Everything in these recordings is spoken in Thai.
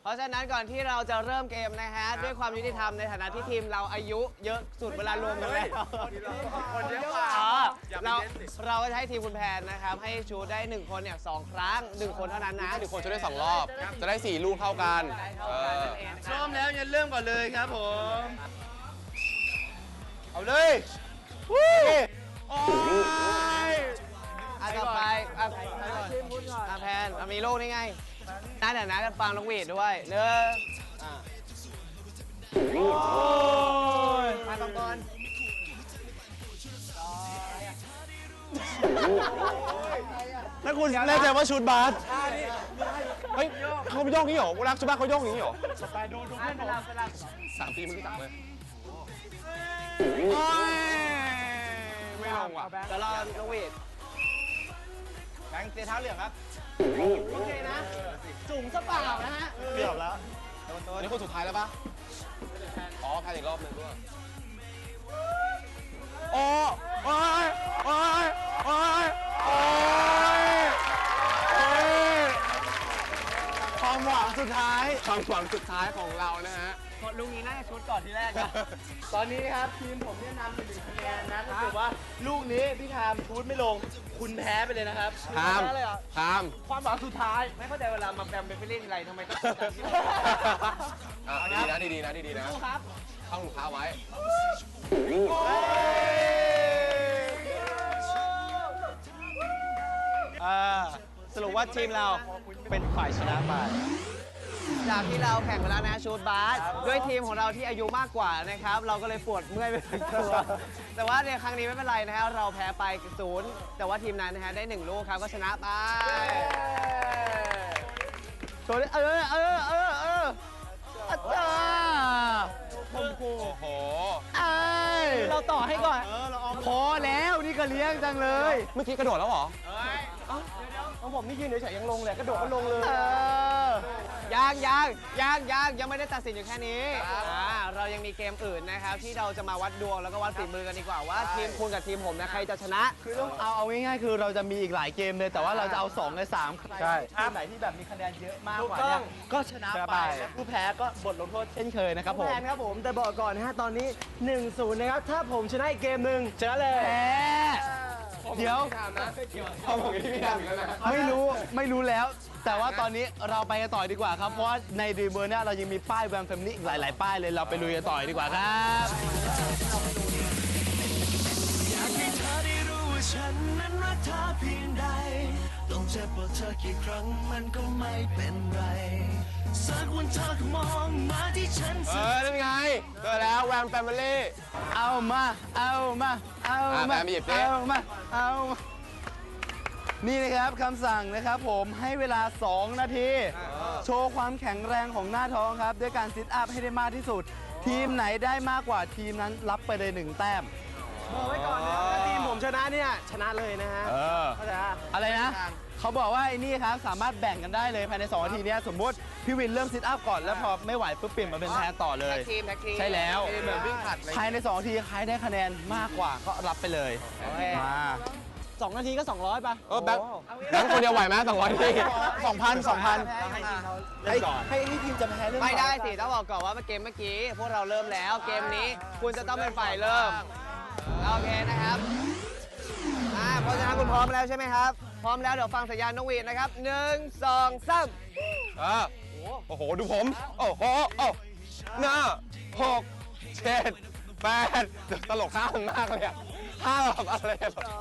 ราะฉะนั้นก่อนที่เราจะเริ่มเกมนะฮะด้วยความยุติธรรมในฐานะที่ทีมเราอายุเยอะสุดเวลารวมกันแล้วคนเยอะกว่าเราก็จะให้ทีมคุณแพนนะครับให้ชูได้1คนเนี่ย2 ครั้ง1 คนเท่านั้นนะ 1 คนชูได้2 รอบจะได้4 ลูกเท่ากันพร้อมแล้วงั้นเริ่มก่อนเลยครับผมเอาเลยโอ้ยต่อไปแพนมีลูกนี่ไงน่าเดี๋ยวนะกันฟังน้องหวีดด้วยมาตรงก่อนแล้วคุณแน่ใจว่าชุดบาสเฮ้ยเขาโยกนี้เหรอกูรักชุดบาสเขาโยกนี้เหรอไปดูเพื่อนผม 3 ทีเมื่อกี้3เลยไม่ลงว่ะจะรอน้องหวีดแบงค์เสียเท้าเหลืองครับโอเคนะจุ่มซะเปล่านะฮะเกือบแล้วนี่คนสุดท้ายแล้วปะอ๋อแพ้อีกรอบนึงด้วยโอ้ยความหวังสุดท้ายของเรานะฮะลุงนี้น่าจะชุดก่อนทีแรกนะตอนนี้ครับทีมผมเนี่ยนำไป1 คะแนนนะถ้าเกิดว่าลูกนี้พี่ทามชูดไม่ลงคุณแพ้ไปเลยนะครับทามความหวังสุดท้ายไม่เข้าใจเวลามาแบมเป็นไปเล่นอะไรทำไมต้องดีนะครับเข้าหนูค้าไว้สรุปว่าทีมเราเป็นฝ่ายชนะไปจากที่เราแข่งไปแล้วนะชูดบาสด้วยทีมของเราที่อายุมากกว่านะครับเราก็เลยปวดเมื่อยไปทั้งตัวแต่ว่าในครั้งนี้ไม่เป็นไรนะฮะเราแพ้ไป0แต่ว่าทีมนั้นนะฮะได้1 ลูกครับก็ชนะไปโชว์โอ้โหเราต่อให้ก่อนพอแล้วนี่ก็เลี้ยงจังเลยเมื่อกี้กระโดดแล้วเหรอของผมนี่ยืนเฉยๆยังลงเลยกระโดดก็ลงเลยยังไม่ได้ตัดสินอยู่แค่นี้เรายังมีเกมอื่นนะครับที่เราจะมาวัดดวงแล้วก็วัดฝีมือกันดีกว่าว่าทีมคุณกับทีมผมนะใครจะชนะคือต้องเอาง่ายๆคือเราจะมีอีกหลายเกมเลยแต่ว่าเราจะเอา2 ใน 3ใช่ทีมไหนที่แบบมีคะแนนเยอะมากกว่าเนี่ยก็ชนะไปผู้แพ้ก็บทลงโทษเช่นเคยนะครับผมแพ้ครับผมแต่บอกก่อนนะฮะตอนนี้ 1-0 นะครับถ้าผมชนะอีกเกมหนึ่งชนะเลยเดี๋ยวไม่รู้แล้วแต่ว่าตอนนี้เราไปกันต่อดีกว่าครับเพราะว่าในดีเบอร์เนี่ยเรายังมีป้ายแวมแฟมิลี่อีกหลายๆป้ายเลยเราไปลุยกันต่อดีกว่าครับอยากให้เธอได้รู้ว่าฉันนั้นรักเธอเพียงใดต้องเจ็บปวดเธอกี่ครั้งมันก็ไม่เป็นไรสักวันเธอก็มองมาที่ฉันนั่นไงเจอแล้วแวมแฟมิลี่เอามานี่นะครับคำสั่งนะครับผมให้เวลา2 นาทีโชว์ความแข็งแรงของหน้าท้องครับด้วยการซิทอัพให้ได้มากที่สุดทีมไหนได้มากกว่าทีมนั้นรับไปเลย1 แต้มบอกไว้ก่อนนะถ้าทีมผมชนะเนี่ยชนะเลยนะฮะอะไรนะเขาบอกว่าไอ้นี่ครับสามารถแบ่งกันได้เลยภายใน2 นาทีนี้สมมติพี่วินเริ่มซิทอัพก่อนแล้วพอไม่ไหวปุ๊บเปลี่ยนมาเป็นแทนต่อเลยใช่แล้วภายใน2 นาทีใครได้คะแนนมากกว่าก็รับไปเลยมา 2 นาทีก็200ป่ะแบงค์คนเดียวไหวไหม200 ที2,000 ให้ทีมจะแพ้เรื่องไม่ได้สิต้องบอกก่อนว่าเกมเมื่อกี้พวกเราเริ่มแล้วเกมนี้คุณจะต้องเป็นฝ่ายเริ่มโอเคนะครับเพราะฉะนั้นคุณพร้อมแล้วใช่ไหมครับพร้อมแล้วเดี๋ยวฟังสัญญาณนกหวีดนะครับ1 2 3 โอ้โหดูผมโอ้โห6 7 8ตลกข้ามมากเลยอ่ะข้ามแบบอะไร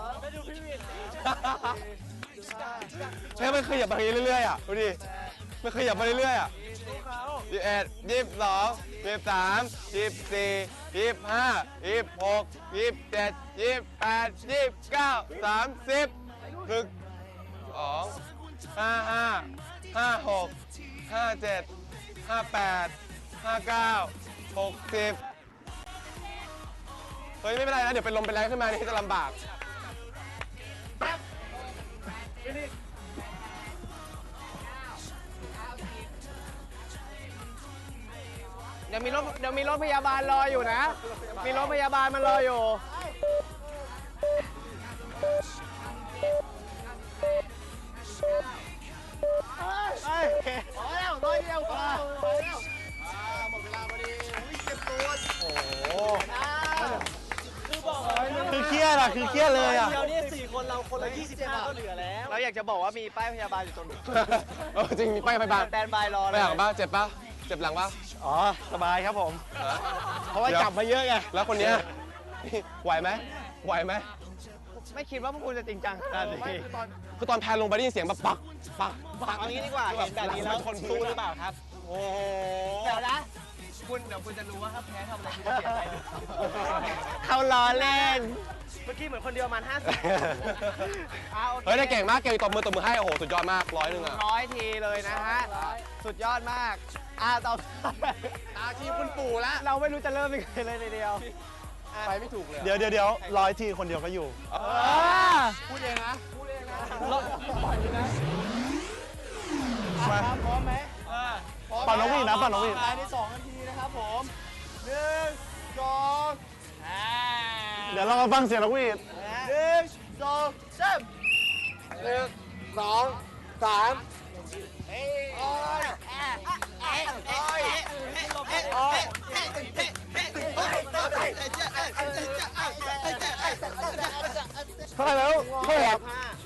มันขยับไปเรื่อยๆอ่ะดูดิมันขยับไปเรื่อยๆอ่ะ21 22 23 24 25 26 27 28 29 30 55 56 57 58 59 60เฮ้ยไม่เป็นไรนะเดี๋ยวเป็นลมเป็นแรงขึ้นมานี่จะลำบากเดี๋ยวมีรถพยาบาลรออยู่นะมีรถพยาบาลมันรออยู่พอแล้ว100 เดียวพอคือเครียดเลยอ่ะเดี๋ยวนี้4 คนเราคนละ25ก็เหลือแล้วเราอยากจะบอกว่ามีป้ายพยาบาลอยู่ตรงนี้จริงมีป้ายพยาบาลสแตนบายรอไปเลยหลังบ้างเจ็บป่ะเจ็บหลังป่ะอ๋อ สบายครับผม เพราะว่าจับมาเยอะไงแล้วคนเนี้ยไหวไหมไหวไหมไม่คิดว่าพวกคุณจะจริงจังขนาดนี้คือตอนแพนลงไปได้ยินเสียงแบบปักปักปักเอางี้ดีกว่าเห็นแบบนี้แล้วคนสู้หรือเปล่าครับโอ้โหเดี๋ยวนะเดี๋ยวคุณจะรู้ว่าถ้าแพ้ทำอะไรคุณจะเสียใจด้วยเขาล้อเล่นเมื่อกี้เหมือนคนเดียวประมาณ50 เฮ้ยได้เก่งมากเก่งตบมือให้โอ้โหสุดยอดมาก100อ่ะ 100 ทีเลยนะฮะ สุดยอดมากต่อตาทีมคุณปู่แล้ว เราไม่รู้จะเริ่มยังไงเลยทีเดียวไปไม่ถูกเลยเดี๋ยว100 ทีคนเดียวก็อยู่พูดเองนะมาพร้อมไหมปั่นนกหวีดนะปั่นนกหวีดภายใน2 นาทีนะครับผม1 2 เดี๋ยวเรามาฟังเสียงนกหวีด 1 2 3 1 2 3 เท่าไหร่แล้วเท่าไหร่ครับ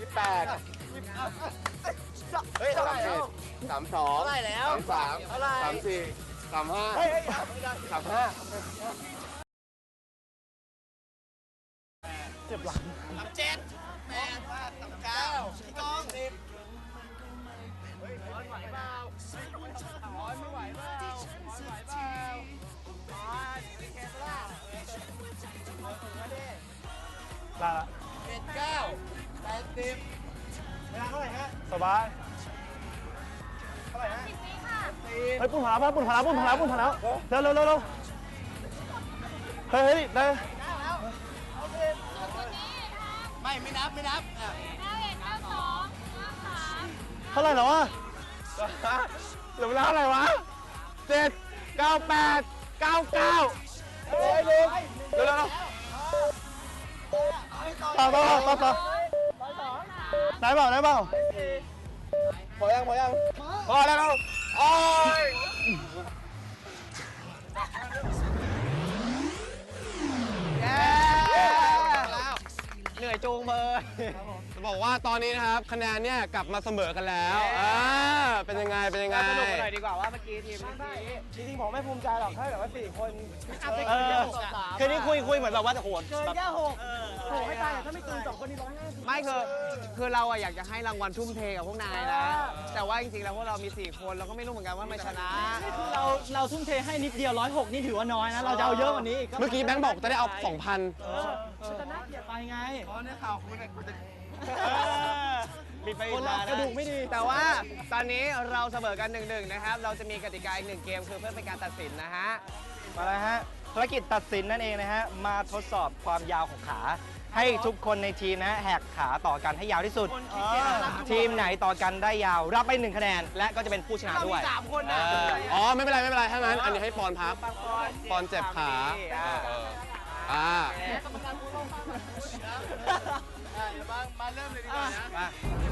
เฮ้ยเท่าไหร่แล้ว32 เท่าไหร่แล้ว 33 เท่าไหร่ 34 35 35 เจ็บหลัง ลาละสบายเฮ้ยปุ่นผาแล้วปุ่นผาแล้วปุ่นผาแล้วปุ่นผาแล้วเร็วเร็วเร็วเร็วเฮ้ยได้ไม่นับเท่าไหร่แล้ววะเหลือเวลาเท่าไหร่วะ7 98 99เฮ้ยลุงเร็วต่อได้เปล่าๆพอยังพอแล้วโอ้ยเหนื่อยจูงมือจะบอกว่าตอนนี้นะครับคะแนนเนี่ยกลับมาเสมอกันแล้วเป็นยังไงสนุกกันหน่อยดีกว่าว่าเมื่อกี้ทีมนี้จริงๆผมไม่ภูมิใจหรอกถ้าแบบว่า4 คนคืนนี้คุยเหมือนแบบว่าโหดเกินแค่6โหไม่ตายถ้าไม่เกิน2 คนนี้150 ไม่คือเราอะอยากจะให้รางวัลทุ่มเทกับพวกนายนะ แต่ว่าจริงๆแล้วพวกเรามี 4 คนเราก็ไม่รู้เหมือนกันว่ามันชนะคือเราทุ่มเทให้นิดเดียว106นี่ถือว่าน้อยนะ เราจะเอาเยอะกว่านี้อีกเมื่อกี้แบงค์บอกจะได้เอา 2,000 จะน่าเกลียดไปไงมีไปคนเรากระดูกไม่ดีแต่ว่าตอนนี้เราเสมอกัน1-1นะครับ เราจะมีกติกาอีก1 เกมคือเพื่อเป็นการตัดสินนะฮะมาแล้วฮะภารกิจตัดสินนั่นเองนะฮะมาทดสอบความยาวของขา ให้ทุกคนในทีมนะฮะแหกขาต่อกันให้ยาวที่สุด ทีมไหนต่อกันได้ยาวรับไป1 คะแนน และก็จะเป็นผู้ชนะด้วย 3 คนนะอ๋อไม่เป็นไรถ้างั้นอันนี้ให้ปอนพักปอนเจ็บขามาเริ่มเลยดีกว่านะ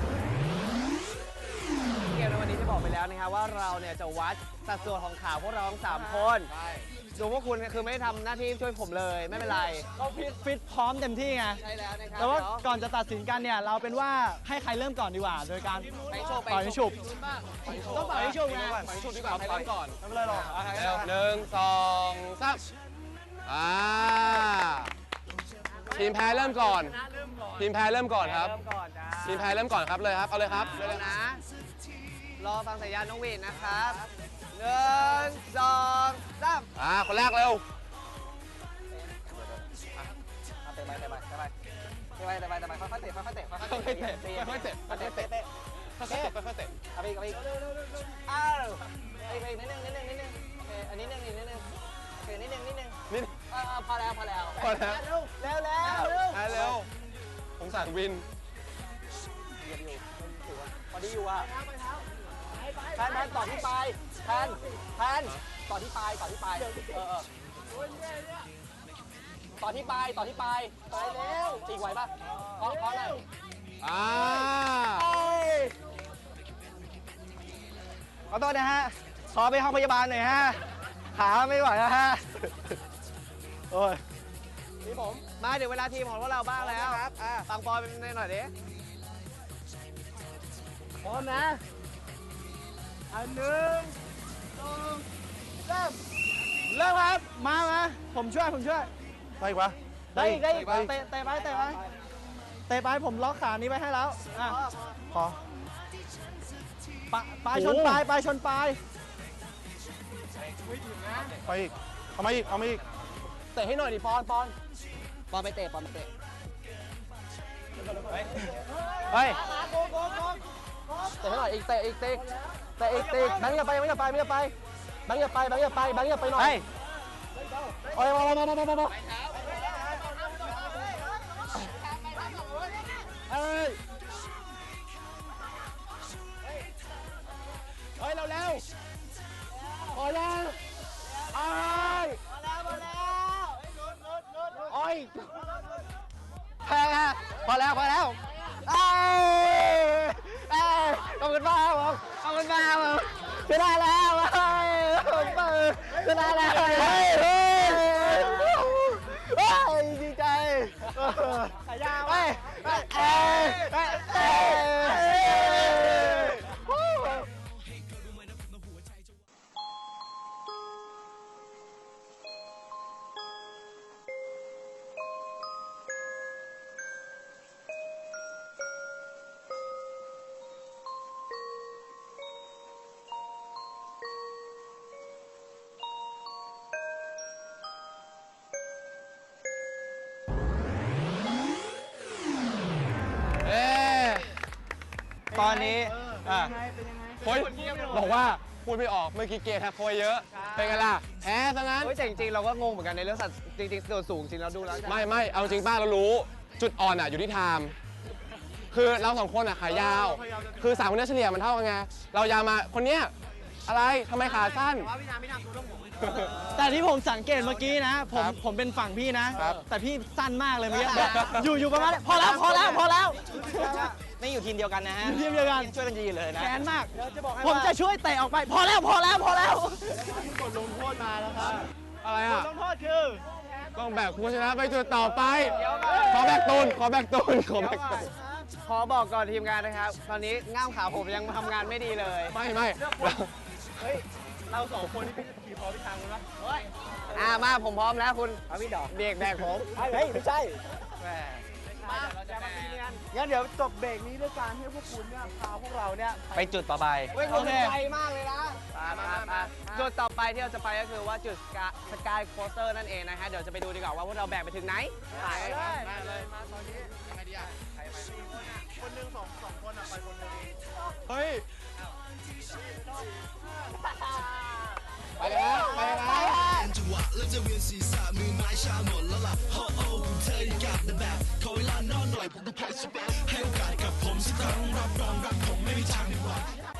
เกมในวันนี้จะบอกไปแล้วนะครับว่าเราเนี่ยจะวัดสัดส่วนของขาพวกเราทั้ง3 คนดูพวกคุณคือไม่ได้ทำหน้าที่ช่วยผมเลยไม่เป็นไรก็ฟิตพร้อมเต็มที่ไงใช่แล้วนะครับแต่ว่าก่อนจะตัดสินกันเนี่ยเราเป็นว่าให้ใครเริ่มก่อนดีกว่า โดยการไปโชว์ปล่อยให้ฉุบต้องปล่อยให้ฉุบไงปล่อยชุดดีกว่าใครเริ่มก่อนไม่เป็นไรหรอกเร็ว1 2 3ทีมแพ้เริ่มก่อนทีมแพ้เริ่มก่อนครับเริ่มก่อนจ้าทีมแพ้เริ่มก่อนครับเลยครับเอาเลยครับเริ่มนะ รอฟังสัญญาณน้องวีนนะครับ1 2 3 คนแรกเร็วเตะไปค่อยๆเตะค่อยๆเตะค่อยๆเตะค่อยๆเตะค่อยๆเตะค่อยๆเตะเอาไปอีกอ้าวไปนิดนึงโอเคอันนี้นิดนึงโอเคนิดนึงนี่พอแล้วพอแล้วเร็วเร็วผมสั่งวินพอดีอยู่อ่ะแทนต่อที่ปลายแทนต่อที่ปลายต่อที่ปลายไปแล้วจีกไหวป่ะขอหน่อยขอโทษนะฮะ ขอไปห้องพยาบาลหน่อยฮะ ขาไม่ไหวแล้วฮะ โอ้ยทีมผมมาถึงเวลาทีมของพวกเราบ้างแล้วครับฟังปอยเป็นหน่อยดิพร้อมนะอันหนึ่งสองเริ่มเริ่มครับ มาผมช่วยไปอีกปะได้อีกเตะไปผมล็อกขานี้ไว้ให้แล้วอ่ะพอปลายชนปลายชนปลายไปอีกเอามาอีกเตะให้หน่อยดิปอนไปเตะเฮ้ยเตะให้หน่อยอีกเตะอีกแบงค์อย่าไปแบงค์อย่าไปหน่อยเฮ้ยโอ้ยมาเฮ้ยเร็วพอยังโอ้ยแพ้พอแล้วขอบคุณมากครับผมชนะแล้วชนะแล้วดีใจขายาวไปตอนนี้โค้ชบอกว่าพูดไม่ออกเมื่อกี้เกทักโค้ชเยอะเป็นไงล่ะแพ้ซะงั้นเฮ้ยแต่จริงๆเราก็งงเหมือนกันในเรื่องสัตว์จริงๆส่วนสูงจริงเราดูแล้วไม่เอาจริงป้าเรารู้จุดอ่อนอยู่ที่ไทม์คือเราสองคนขายาว คือ3คนนี้เฉลี่ยมันเท่ากันไงเรายาวมาคนเนี้ยอะไรทำไมขาสั้นแต่ที่ผมสังเกตเมื่อกี้นะครับผมเป็นฝั่งพี่นะครับแต่พี่สั้นมากเลยเมื่อกี้อยู่ประมาณพอแล้วไม่อยู่ทีมเดียวกันนะฮะทีมเดียวกันช่วยกันยืนเลยนะแค้นมาก ผมจะช่วยเตะออกไป พอแล้วกดลงโทษมาแล้วครับอะไรกดลงโทษคือต้องแบกผู้ชนะไปจุดต่อไป ขอแบกตูนขอบอกก่อนทีมงานนะครับ ตอนนี้ง่ามขาผมยังทำงานไม่ดีเลยไม่เราสองคนนี่ขี่พอพี่ทางกันปะมาผมพร้อมแล้วคุณเอาพี่ดอกเบรกแบกผมเฮ้ยไม่ใช่เราจะแบกงั้นเดี๋ยวจบเบรกนี้ด้วยการให้พวกคุณเนี่ยพาพวกเราเนี่ยไปจุดต่อไปเฮ้ยคุณไกลมากเลยนะจุดต่อไปที่เราจะไปก็คือว่าจุดสกายโคสเตอร์นั่นเองนะฮะเดี๋ยวจะไปดูดีกว่าว่าพวกเราแบกไปถึงไหนไปเลยมาตอนนี้ยังไงดีอ่ะใครไปคนหนึ่งสองคนไปคนหนึ่งเฮ้ยไปแล้วจังหวะแล้วจะเวียนศีรษะมือไม้ชาหมดแล้วล่ะโอ้โอ้เธออยากได้แบบขอเวลานอนหน่อยผมก็พอสเปให้โอกาสกับผมสักครั้งรับรองรักผมไม่มีทางผิดหวัง